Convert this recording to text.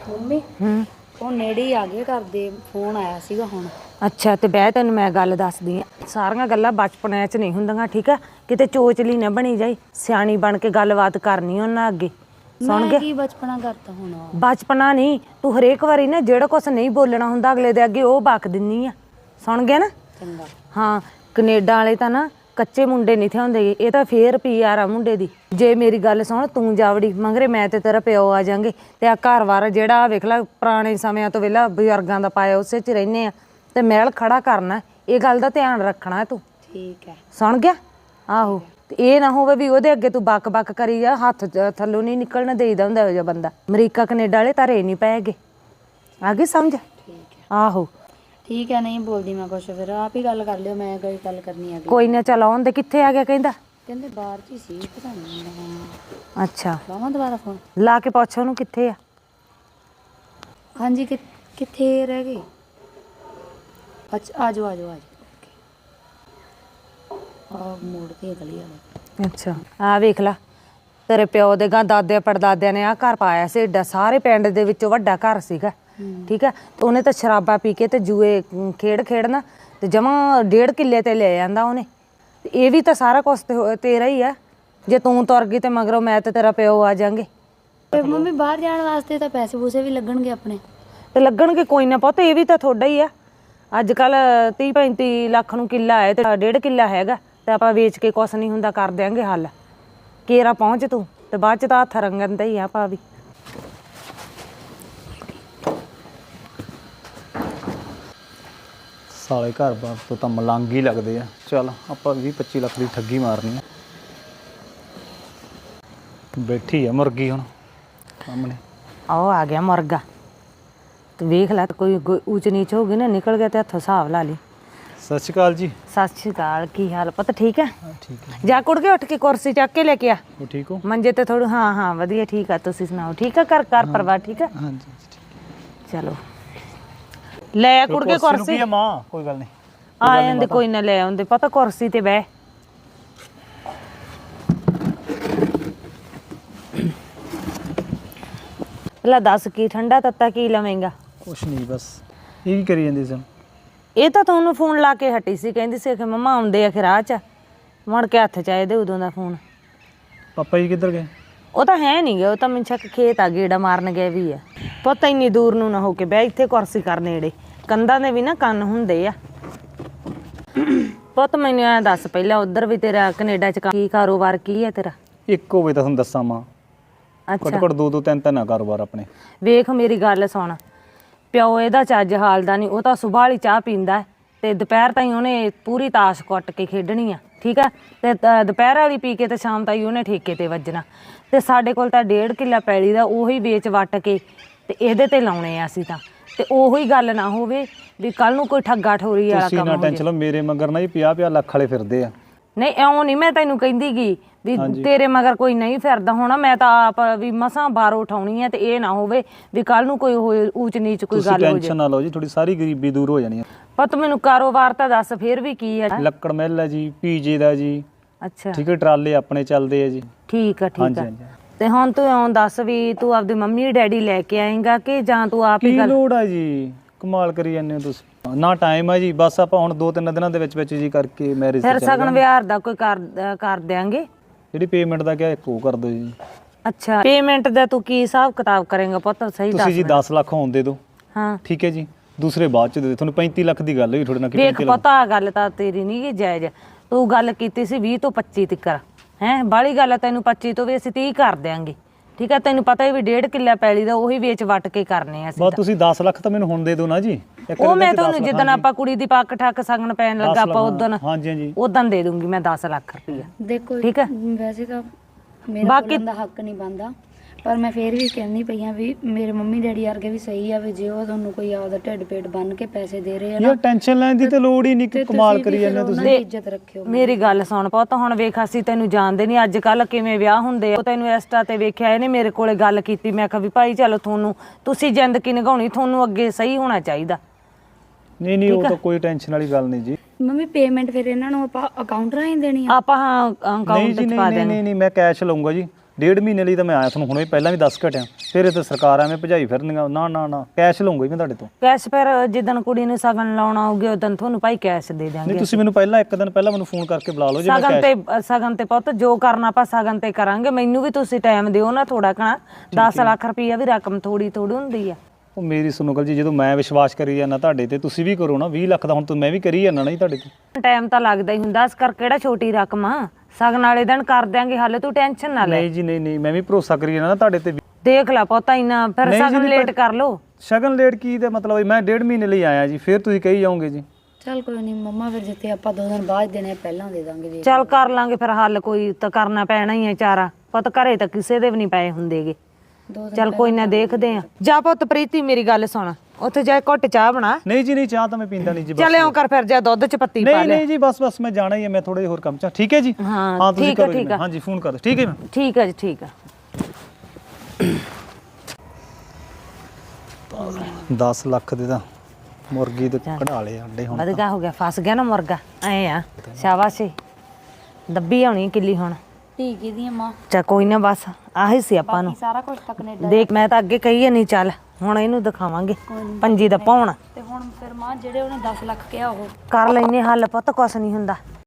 Mummy ਉਹ ਨੇੜੇ ਹੀ ਆ ਗਏ, ਘਰ ਦੇ ਫੋਨ ਆਇਆ ਸੀਗਾ ਹੁਣ। ਅੱਛਾ ਤੇ ਬਹਿ, ਤੈਨੂੰ ਮੈਂ ਗੱਲ ਦੱਸਦੀ ਆ। ਸਾਰੀਆਂ ਗੱਲਾਂ ਬਚਪਨ 'ਚ ਨਹੀਂ ਹੁੰਦੀਆਂ, ਠੀਕ ਆ? ਕਿਤੇ ਚੋਚਲੀ ਨਾ ਬਣੀ ਜਾਈ, ਸਿਆਣੀ ਬਣ ਕੇ ਗੱਲਬਾਤ ਕਰਨੀ ਉਹਨਾਂ ਅੱਗੇ। ਸੁਣ ਮੈਂ ਕੀ ਬਚਪਨਾ ਕਰਤਾ ਹੁਣ? ਬਚਪਨਾ ਨਹੀਂ, ਤੂੰ ਹਰੇਕ ਵਾਰੀ ਨਾ ਜਿਹੜਾ ਕੁਛ ਨਹੀਂ ਬੋਲਣਾ ਹੁੰਦਾ ਅਗਲੇ ਦੇ ਅੱਗੇ ਉਹ ਬਕ ਦਿੰਨੀ ਆ। ਸੁਣ ਗਿਆ ਨਾ? ਚੰਗਾ। ਹਾਂ, ਕੈਨੇਡਾ ਵਾਲੇ ਤਾਂ ਨਾ ਕੱਚੇ ਮੁੰਡੇ ਨਹੀਂ ਥੇ ਹੁੰਦੇ, ਇਹ ਤਾਂ ਫੇਰ PR ਆ ਮੁੰਡੇ ਦੀ। ਜੇ ਮੇਰੀ ਗੱਲ ਸੁਣ, ਤੂੰ ਜਾਵੜੀ ਮੰਗਰੇ ਮੈਂ ਤੇ ਤੇਰਾ ਪਿਓ ਆ ਜਾਂਗੇ ਤੇ ਆ ਘਰ-ਬਾਰ ਜਿਹੜਾ ਵੇਖ ਲੈ ਪੁਰਾਣੇ ਸਮਿਆਂ ਤੋਂ ਵੇਲਾ ਬਜ਼ੁਰਗਾਂ ਦਾ ਪਾਇਆ ਉਸੇ 'ਚ ਰਹਿੰਦੇ ਆ ਤੇ ਮਹਿਲ ਖੜਾ ਕਰਨਾ। ਇਹ ਗੱਲ ਦਾ ਧਿਆਨ ਰੱਖਣਾ ਤੂੰ, ਠੀਕ ਹੈ? ਸੁਣ ਗਿਆ? ਆਹੋ, ਤੇ ਇਹ ਨਾ ਹੋਵੇ ਵੀ ਉਹਦੇ ਅੱਗੇ ਤੂੰ ਬਕ ਕਰੀ ਜਾ, ਹੱਥ ਥੱਲੋਂ ਨਹੀਂ ਨਿਕਲਣਾ ਦੇਈਦਾ ਹੁੰਦਾ ਇਹੋ ਜਿਹਾ ਬੰਦਾ। ਅਮਰੀਕਾ ਕੈਨੇਡਾ ਵਾਲੇ ਤਾਰੇ ਨਹੀਂ ਪਏਗੇ, ਆ ਗਈ ਸਮਝ? ਠੀਕ ਹੈ। ਆਹੋ ਠੀਕ ਹੈ, ਨਹੀਂ ਬੋਲਦੀ ਮੈਂ ਕੁਛ, ਫਿਰ ਆਪ ਹੀ ਗੱਲ ਕਰ ਲਿਓ, ਮੈਂ ਕੋਈ ਗੱਲ ਕਰਨੀ ਆ। ਕੋਈ ਨਾ, ਚੱਲ ਆਉਣ ਦੇ। ਕਿੱਥੇ ਆ ਗਿਆ ਕਹਿੰਦਾ? ਕਹਿੰਦੇ ਬਾਹਰ 'ਚ ਹੀ ਸੀ, ਪਤਾ ਨਹੀਂ। ਅੱਛਾ, ਲਾਵਾਂ ਦੁਬਾਰਾ ਫੋਨ? ਲਾ ਕੇ ਪੁੱਛ ਉਹਨੂੰ ਕਿੱਥੇ ਆ। ਹਾਂਜੀ, ਕਿੱਥੇ ਰਹਿ ਗਏ? ਅੱਛਾ, ਆ ਜਾਓ ਆ ਮੋੜ ਤੇ ਗਲੀ ਵਾਲੇ। ਅੱਛਾ, ਆ ਵੇਖ ਲਾ, ਤੇਰੇ ਪਿਓ ਦੇ ਗਾਂ ਦਾਦੇ ਪੜਦਾਦਿਆਂ ਨੇ ਆ ਘਰ ਪਾਇਆ ਸੀ, ਏਡਾ ਸਾਰੇ ਪਿੰਡ ਦੇ ਵਿੱਚੋਂ ਵੱਡਾ ਘਰ ਸੀਗਾ, ਠੀਕ ਹੈ? ਤੇ ਉਹਨੇ ਤਾਂ ਸ਼ਰਾਬਾਂ ਪੀ ਕੇ ਤੇ ਜੂਏ ਖੇਡਣਾ ਤੇ ਜਮਾਂ 1.5 ਕਿੱਲੇ ਤੇ ਲੈ ਜਾਂਦਾ ਉਹਨੇ। ਤੇ ਇਹ ਵੀ ਤਾਂ ਸਾਰਾ ਕੁਛ ਤੇਰਾ ਹੀ ਆ। ਜੇ ਤੂੰ ਤੁਰ ਗਈ ਤੇ ਮਗਰੋਂ ਮੈਂ ਤੇ ਤੇਰਾ ਪਿਓ ਆ ਜਾਾਂਗੇ। ਤੇ ਮੰਮੀ ਬਾਹਰ ਜਾਣ ਵਾਸਤੇ ਤਾਂ ਪੈਸੇ ਪੂਸੇ ਵੀ ਲੱਗਣਗੇ ਆਪਣੇ। ਤੇ ਲੱਗਣਗੇ, ਕੋਈ ਨਾ ਪੁੱਤ, ਇਹ ਵੀ ਤਾਂ ਤੁਹਾਡਾ ਹੀ ਆ। ਅੱਜ ਕੱਲ 30-35 ਲੱਖ ਨੂੰ ਕਿੱਲਾ ਹੈ ਤੇ 1.5 ਕਿੱਲਾ ਹੈਗਾ, ਤੇ ਆਪਾਂ ਵੇਚ ਕੇ ਕੁਛ ਨਹੀਂ ਹੁੰਦਾ, ਕਰ ਦਿਆਂਗੇ ਹੱਲ। ਕੇਰਾ ਪਹੁੰਚ ਤੂੰ, ਤੇ ਬਾਅਦ ਚ ਤਾਂ ਹੱਥ ਰੰਗਣ ਦਾ ਹੀ ਆ ਆਪਾਂ ਵੀ। ਸਾਲੇ ਘਰ-ਬਾਰ ਤੋਂ ਤਾਂ ਮਲੰਗ ਹੀ ਲੱਗਦੇ ਆ। ਚੱਲ ਆਪਾਂ 20-25 ਲੱਖ ਦੀ ਠੱਗੀ ਮਾਰਨੀ ਆ। ਬੈਠੀ ਆ ਮੁਰਗੀ ਹੁਣ ਸਾਹਮਣੇ। ਆਹ ਆ ਗਿਆ ਮੁਰਗਾ, ਤੇ ਵੇਖ ਲੈ, ਕੋਈ ਊਚ ਨੀਚ ਹੋ ਗਈ ਨਾ, ਨਿਕਲ ਗਿਆ ਤੇ ਹੱਥੋਂ ਹਿਸਾਬ ਲਾ ਲਈ। ਸਤਿ ਸ਼੍ਰੀ ਅਕਾਲ ਜੀ। ਸਤਿ ਸ਼੍ਰੀ ਅਕਾਲ, ਕੀ ਹਾਲ ਪੁੱਤ? ਠੀਕ ਹੈ? ਠੀਕ ਹੈ। ਜਾ ਕੁੜ ਕੇ ਉੱਠ ਕੇ ਕੁਰਸੀ ਚੱਕ ਕੇ ਲੈ ਕੇ ਆ। ਉਹ ਠੀਕ ਹੋ? ਮੰਜੇ ਤੇ ਥੋੜ੍ਹਾ। ਹਾਂ ਵਧੀਆ, ਠੀਕ ਆ। ਤੁਸੀਂ ਸੁਣਾਓ, ਠੀਕ ਆ? ਘਰ ਪਰਿਵਾਰ ਠੀਕ ਆ? ਹਾਂਜੀ ਚਲੋ ਲੈ ਆ ਕੁੜ ਕੇ ਕੁਰਸੀ। ਮਾਂ ਕੋਈ ਗੱਲ ਨਹੀਂ, ਆ ਜਾਂਦੇ, ਕੋਈ ਨਾ ਲੈ ਆਉਂਦੇ। ਪਤਾ ਕੁਰਸੀ ਤੇ ਬਹਿ। ਲੈ ਦੱਸ, ਕੀ ਠੰਡਾ ਤੱਤਾ ਕੀ ਲਵੇਂਗਾ? ਕੁਛ ਨਹੀਂ, ਬਸ ਇਹ ਕੀ ਕਰੀ ਜਾਂਦੀ ਸੀ? ਇਹ ਤਾਂ ਤੁਹਾਨੂੰ ਫੋਨ ਲਾ ਕੇ ਹਟੀ ਸੀ, ਕਹਿੰਦੀ ਸੀ ਕਿ ਮੰਮਾ ਆਉਂਦੇ ਆ ਕਿ ਰਾਹ 'ਚ। ਮੁੜ ਕੇ ਹੱਥ 'ਚ ਆਏ ਦੇ ਉਦੋਂ ਦਾ ਫੋਨ। ਪਾਪਾ ਜੀ ਕਿੱਧਰ ਗਏ? ਉਹ ਤਾਂ ਹੈ ਨਹੀਂ ਗਏ, ਉਹ ਤਾਂ ਮੈਨੂੰ ਸ਼ੱਕ ਖੇਤ ਆ, ਗੇੜਾ ਮਾਰਨ ਗਏ ਵੀ ਆ। ਪੁੱਤ ਇੰਨੀ ਦੂਰ ਨੂੰ ਨਾ ਹੋ ਕੇ ਬਹਿ, ਇੱਥੇ ਕੁਰਸੀ ਕਰ ਨੇੜੇ। ਕੰਧਾਂ ਦੇ ਵੀ ਨਾ ਕੰਨ ਹੁੰਦੇ ਆ। ਪੁੱਤ ਮੈਨੂੰ ਐਂ ਦੱਸ ਪਹਿਲਾਂ, ਉੱਧਰ ਵੀ ਤੇਰਾ ਕੈਨੇਡਾ 'ਚ ਕੀ ਕਾਰੋਬਾਰ ਕੀ ਹੈ ਤੇਰਾ? ਇੱਕ ਹੋਵੇ ਤਾਂ ਤੁਹਾਨੂੰ ਦੱਸਾਂ ਮਾਂ, ਘੱਟ-ਘੱਟ 2-2 3-3 ਆ ਕਾਰੋਬਾਰ ਆਪਣੇ। ਵੇਖ ਮੇਰੀ ਗੱਲ ਸੁਣ, ਪਿਓ ਇਹਦਾ ਚੱਜ ਹਾਲ ਦਾ ਨਹੀਂ। ਉਹ ਤਾਂ ਸੁਬਾਹ ਵਾਲੀ ਚਾਹ ਪੀਂਦਾ ਤੇ ਦੁਪਹਿਰ ਤਾਈਂ ਉਹਨੇ ਪੂਰੀ ਤਾਸ਼ ਕੁੱਟ ਕੇ ਖੇਡਣੀ ਆ, ਠੀਕ ਆ? ਤੇ ਦੁਪਹਿਰ ਵਾਲੀ ਪੀ ਕੇ ਤੇ ਸ਼ਾਮ ਤਾਈਂ ਉਹਨੇ ਠੇਕੇ ਤੇ ਵੱਜਣਾ। ਤੇ ਸਾਡੇ ਕੋਲ ਤਾਂ 1.5 ਕਿੱਲਾ ਪੈਲੀ ਦਾ, ਉਹੀ ਵੇਚ ਵੱਟ ਕੇ ਤੇ ਇਹਦੇ ਤੇ ਲਾਉਣੇ ਆ ਅਸੀਂ ਤਾਂ। ਤੇ ਉਹੀ ਗੱਲ ਨਾ ਹੋਵੇ ਵੀ ਕੱਲ ਨੂੰ ਕੋਈ ਠੱਗਾ ਠੋਰੀ ਵਾਲਾ ਕੰਮ ਹੋ ਜਾਵੇ। ਤੁਸੀਂ ਨਾ ਟੈਨਸ਼ਨ ਲਓ, ਮੇਰੇ ਮਗਰ ਨਾ ਜੀ 50-50 ਲੱਖ ਵਾਲੇ ਫਿਰਦੇ ਆ। ਨਹੀਂ, ਇਉਂ ਨਹੀਂ ਮੈਂ ਤੈਨੂੰ ਕਹਿੰਦੀ ਗੀ ਵੀ ਤੇਰੇ ਮਗਰ ਕੋਈ ਨਹੀਂ ਫਿਰਦਾ ਹੋਣਾ। ਮੈਂ ਤਾਂ ਆਪ ਵੀ ਮਸਾਂ ਬਾਹਰੋਂ ਉਠਾਉਣੀ ਹੈ, ਤੇ ਇਹ ਨਾ ਹੋਵੇ ਵੀ ਕੱਲ ਨੂੰ ਕੋਈ ਹੋਏ ਊਚ ਨੀਚ ਕੋਈ ਗੱਲ ਹੋ ਜਾਏ। ਟੈਨਸ਼ਨ ਨਾ ਲਓ ਜੀ, ਥੋੜੀ ਸਾਰੀ ਗਰੀਬੀ ਦੂਰ ਹੋ ਜਾਣੀ ਹੈ। ਪਰ ਮੈਨੂੰ ਕਾਰੋਬਾਰ ਤਾਂ ਦੱਸ ਫੇਰ ਵੀ ਕੀ ਹੈ? ਲੱਕੜ ਮਿੱਲ ਹੈ ਜੀ, PJ ਦਾ ਜੀ। ਅੱਛਾ, ਠੀਕ ਹੈ, ਟਰਾਲੇ ਆਪਣੇ ਚੱਲਦੇ ਆ ਜੀ। ਠੀਕ ਆ ਤੇ ਹੁਣ ਤੂੰ ਇਉਂ ਦੱਸ ਵੀ ਤੂੰ ਆਪਦੀ ਮੰਮੀ ਡੈਡੀ ਲੈ ਕੇ ਆਏਂਗਾ ਕਿ ਜਾਂ ਤੂੰ ਆਪ ਹੀ? ਕੀ ਲੋੜ ਆ ਜੀ, ਕਮਾਲ ਕਰੀ ਜਾਂਦੇ ਹੋ ਤੁਸੀਂ। ਨਾ ਟਾਈਮ ਆ ਜੀ, ਬਸ ਆਪਾਂ ਹੁਣ 2-3 ਦਿਨਾਂ ਦੇ ਵਿੱਚ ਜੀ ਕਰਕੇ ਮੈਰਿਜ ਫਿਰ ਸਗਨ ਵਿਆਹ ਦਾ ਕੋਈ ਕਰ ਦਿਆਂਗੇ। ਜਿਹੜੀ ਪੇਮੈਂਟ ਦਾ ਕਿਹਾ ਇੱਕ ਉਹ ਕਰ ਦਿਓ ਜੀ। ਅੱਛਾ, ਪੇਮੈਂਟ ਦਾ ਤੂੰ ਕੀ ਹਿਸਾਬ ਕਿਤਾਬ ਕਰੇਂਗਾ ਪੁੱਤ? ਸਹੀ ਦੱਸ। ਤੁਸੀਂ ਜੀ 10 ਲੱਖ ਹੋਣ ਦੇ ਦਿਓ। ਹਾਂ ਠੀਕ ਹੈ ਜੀ, ਦੂਸਰੇ ਬਾਅਦ ਚ ਦੇ ਦਿਓ। ਤੁਹਾਨੂੰ 35 ਲੱਖ ਦੀ ਗੱਲ ਹੋਈ ਤੁਹਾਡੇ ਨਾਲ। ਵੇਖ ਪਤਾ, ਗੱਲ ਤਾਂ ਤੇਰੀ ਨਹੀਂ ਗੀ ਜਾਇਜ਼। ਤੂੰ ਗੱਲ ਕੀਤੀ ਸੀ 20 ਤੋਂ 25 ਤੱਕ, ਹੈ ਬਾਹਲੀ ਗੱਲ ਆ। ਤੈਨੂੰ 25 ਤੋਂ ਵੀ ਅਸੀਂ 30 ਕਰ ਦਿਆਂਗੇ, ਠੀਕ ਹੈ? ਤੈਨੂੰ ਪਤਾ ਹੀ ਵੀ 1.5 ਕਿੱਲਾ ਪੈਲੀ ਦਾ ਉਹੀ ਵੇਚ ਵੱਟ ਕੇ ਕਰਨੇ ਆ ਅਸੀਂ। ਬਸ ਤੁਸੀਂ 10 ਲੱਖ ਤਾਂ ਮੈਨੂੰ ਹੁਣ ਦੇ ਦਿਓ ਨਾ ਜੀ। ਉਹ ਮੈਂ ਤੁਹਾਨੂੰ ਜਿੱਦਣ ਆਪਾਂ ਕੁੜੀ ਦੀ ਪੱਕ ਠੱਕ ਸਗਨ ਪੈਣ ਲੱਗਾ ਆਪਾਂ ਉਦੋਂ ਦੇ ਦੂੰਗੀ ਮੈਂ 10 ਲੱਖ ਰੁਪਈਆ। ਦੇਖੋ ਠੀਕ ਹੈ, ਵੈਸੇ ਤਾਂ ਮੇਰਾ ਬੋਲਣ ਦਾ ਹੱਕ ਨਹੀਂ ਬਣਦਾ, ਪਰ ਮੈਂ ਫੇਰ ਵੀ ਕਹਿੰਦੀ ਪਈ ਆ ਵੀ ਮੇਰੇ ਮੰਮੀ ਡੈਡੀ ਵਰਗੇ ਵੀ ਸਹੀ ਆ ਵੀ ਜੇ ਉਹ ਤੁਹਾਨੂੰ ਕੋਈ ਆਪਦਾ ਢਿੱਡ ਪੇਟ ਬੰਨ ਕੇ ਪੈਸੇ ਦੇ ਰਹੇ ਆ ਨਾ, ਟੈਨਸ਼ਨ ਲੈਣ ਦੀ ਤੇ ਲੋੜ ਹੀ ਨਹੀਂ। ਕਿ ਕਮਾਲ ਕਰੀ ਜਾਂਦੇ ਤੁਸੀਂ। ਇੱਜ਼ਤ ਰੱਖਿਓ। ਮੇਰੀ ਗੱਲ ਸੁਣ ਪੁੱਤ, ਹੁਣ ਵੇਖ ਅਸੀਂ ਤੈਨੂੰ ਜਾਣਦੇ ਨਹੀਂ, ਅੱਜ ਕੱਲ ਕਿਵੇਂ ਵਿਆਹ ਹੁੰਦੇ ਆ। ਤੈਨੂੰ ਇੰਸਟਾ ਤੇ ਵੇਖਿਆ, ਇਹਨੇ ਮੇਰੇ ਕੋਲੇ ਗੱਲ ਕੀਤੀ। ਮੈਂ ਕਿਹਾ ਵੀ ਭਾਈ ਚਲੋ ਤੁਸੀਂ ਜ਼ਿੰਦਗੀ ਨਿਭਾਉਣੀ, ਤੁਹਾਨੂੰ ਅੱਗੇ ਸਹੀ ਹੋਣਾ ਚਾਹੀਦਾ। ਨਹੀਂ ਉਹ ਤਾਂ ਕੋਈ ਟੈਨਸ਼ਨ ਵਾਲੀ ਗੱਲ ਨਹੀਂ ਜੀ। ਮੰਮੀ ਪੇਮੈਂਟ ਫਿਰ ਇਹਨਾਂ ਨੂੰ ਆਪਾਂ ਅਕਾਊਂਟ ਰਾਹੀਂ ਦੇਣੀ ਆ? ਆਪਾਂ ਅਕਾਊਂਟ ਚ ਪਾ ਦੇਣੀ। ਨਹੀਂ ਮੈਂ ਕੈਸ਼ ਲਊਂਗਾ ਜੀ। 1.5 ਮਹੀਨੇ ਲਈ ਤਾਂ ਮੈਂ ਆਇਆ ਤੁਹਾਨੂੰ ਹੁਣੇ ਪਹਿਲਾਂ ਵੀ ਦੱਸ ਘਟਿਆ, ਫਿਰ ਇਹ ਤਾਂ ਸਰਕਾਰ ਐਵੇਂ ਭਜਾਈ ਫਿਰਨੀਆਂ। ਨਾ ਨਾ ਨਾ, ਕੈਸ਼ ਲਵਾਂਗਾ ਮੈਂ ਤੁਹਾਡੇ ਤੋਂ। ਕੈਸ਼ ਫਿਰ ਜਿੱਦਣ ਕੁੜੀ ਨੂੰ ਸਗਨ ਲਾਉਣਾ ਹੋਊਗਾ ਉਦੋਂ ਤੁਹਾਨੂੰ ਭਾਈ ਕੈਸ਼ ਦੇ ਨਹੀਂ ਦਿਆਂਗੇ। ਤੁਸੀਂ ਮੈਨੂੰ ਪਹਿਲਾਂ ਇੱਕ ਦਿਨ ਪਹਿਲਾਂ ਮੈਨੂੰ ਫੋਨ ਕਰਕੇ ਬੁਲਾ ਲਓ ਜੇ ਮੈਂ ਸਗਨ ਤੇ ਪੁੱਤ ਜੋ ਕਰਨਾ ਆਪਾਂ ਸਗਨ ਤੇ ਕਰਾਂਗੇ। ਮੈਨੂੰ ਵੀ ਤੁਸੀਂ ਟਾਈਮ ਦਿਓ ਨਾ ਥੋੜਾ ਕਣਾ। 10 ਲੱਖ ਰੁਪਈਆ ਵੀ ਰਕਮ ਥੋੜੀ ਹੁੰਦੀ ਆ। ਉਹ ਮੇਰੀ ਸੁਣੋ ਗੱਲ ਜੀ, ਜਦੋਂ ਮੈਂ ਵਿਸ਼ਵਾਸ ਕਰੀ ਜਾਂਦਾ ਤੁਹਾਡੇ ਤੇ, ਤੁਸੀਂ ਵੀ ਕਰੋ ਨਾ। 20 ਲੱਖ ਦਾ ਹੁਣ ਤਾਂ ਮੈਂ ਵੀ ਕਰੀ ਜਾਂਦਾ ਨਾ ਜੀ ਤੁਹਾਡੇ ਤੇ। ਟਾਈਮ ਤਾਂ ਲੱਗਦਾ ਹੀ ਹੁੰਦਾ, ਇਸ ਕਰਕੇ ਕਿਹੜਾ ਛੋਟੀ ਰਕਮ ਆ। ਸਗਨ ਵਾਲੇ ਦਿਨ ਕਰ ਦਿਆਂਗੇ ਹੱਲ, ਤੂੰ ਟੈਨਸ਼ਨ ਨਾ ਲੈ। ਨਹੀਂ ਜੀ ਨਹੀਂ, ਮੈਂ ਵੀ ਭਰੋਸਾ ਕਰੀ ਜਾਂਦਾ ਨਾ ਤੁਹਾਡੇ ਤੇ। ਦੇਖ ਲੈ ਪੁੱਤ ਇੰਨਾ ਫਿਰ ਸਗਨ ਲੇਟ ਕਰ ਲੋ। ਸ਼ਗਨ ਲੇਟ ਕੀ ਤੇ ਮਤਲਬ ਮੈਂ 1.5 ਮਹੀਨੇ ਲਈ ਆਇਆ ਜੀ, ਫਿਰ ਤੁਸੀਂ ਕਹੀ ਜਾਓਗੇ ਜੀ। ਚੱਲ ਕੋਈ ਨਹੀਂ ਮੰਮਾ, ਫਿਰ ਜਿੱਤੇ ਆਪਾਂ 2 ਦਿਨ ਬਾਅਦ ਦੇਣੇ ਪਹਿਲਾਂ ਦੇ ਦਾਂਗੇ ਜੀ। ਚੱਲ ਕਰ ਲਾਂਗੇ ਫਿਰ ਹੱਲ, ਕੋਈ ਤਾਂ ਕਰਨਾ ਪੈਣਾ ਹੀ ਹੈ ਚਾਰਾ। ਪੁੱਤ ਘਰੇ ਤਾਂ ਕਿਸੇ ਦੇ ਵੀ ਨਹੀਂ ਪਏ ਹੁੰਦੇਗੇ। 2 ਦਿਨ ਚੱਲ ਕੋਈ ਨਾ ਦੇਖਦੇ ਆ। ਜਾ ਪੁੱਤ ਪ੍ਰੀਤੀ ਮੇਰੀ ਗੱਲ ਸੁਣ, ਉੱਥੇ ਜਾ ਘੁੱਟ ਚਾਹ ਬਣਾ। ਨਹੀਂ ਜੀ ਨਹੀਂ, ਚਾਹ ਤਾਂ ਮੈਂ ਪੀਂਦਾ ਨਹੀਂ ਜੀ। ਚੱਲ ਇਉਂ ਕਰ ਫਿਰ, ਜਾ ਦੁੱਧ ਚ ਪੱਤੀ ਪਾ ਨਹੀਂ ਲੈ। ਨਹੀਂ ਜੀ, ਬਸ ਮੈਂ ਜਾਣਾ ਹੀ ਹੈ, ਮੈਂ ਥੋੜੇ ਜਿਹੇ ਹੋਰ ਕੰਮ ਚ। ਠੀਕ ਹੈ ਜੀ, ਹਾਂ ਤੁਸੀਂ ਠੀਕ ਆ ਕਰੋ ਜੀ। ਠੀਕ ਆ। ਹਾਂਜੀ ਫੋਨ ਕਰ ਦਿਓ। ਠੀਕ ਹੈ ਮੈਂ। ਠੀਕ ਆ ਜੀ ਠੀਕ ਆ। 10 ਲੱਖ ਦੇ ਤਾਂ ਮੁਰਗੀ ਤੇ ਕਢਾ ਲਏ ਅੰਡੇ ਹੁਣ। ਵਧਗਾ ਹੋ ਗਿਆ, ਫਸ ਗਿਆ ਨਾ ਮੁਰਗਾ। ਐ ਆ ਸ਼ਾਬਾਸ਼ੀ, ਦੱਬੀ ਆਉਣੀ ਕਿੱਲੀ ਹੁਣ। ਠੀਕ ਹੈ ਦੀ ਮਾਂ, ਚਾ ਕੋਈ ਨਾ, ਬਸ ਆਹੀ ਸੀ ਆਪਾਂ ਨੂੰ। ਸਾਰਾ ਕੁਝ ਤਾਂ ਕੈਨੇਡਾ ਦੇਖ ਮੈਂ ਤਾਂ ਅੱਗੇ ਕਹੀ ਨਹੀਂ, ਚੱਲ ਹੁਣ ਇਹਨੂੰ ਦਿਖਾਵਾਂਗੇ ਪੰਜੀ ਦਾ ਪਾਉਣ। ਤੇ ਹੁਣ ਫਿਰ ਮਾਂ ਜਿਹੜੇ ਉਹਨੇ 10 ਲੱਖ ਕਿਹਾ ਉਹ ਕਰ ਲੈਨੇ ਹੱਲ ਪੁੱਤ, ਕੁਛ ਨਹੀਂ ਹੁੰਦਾ।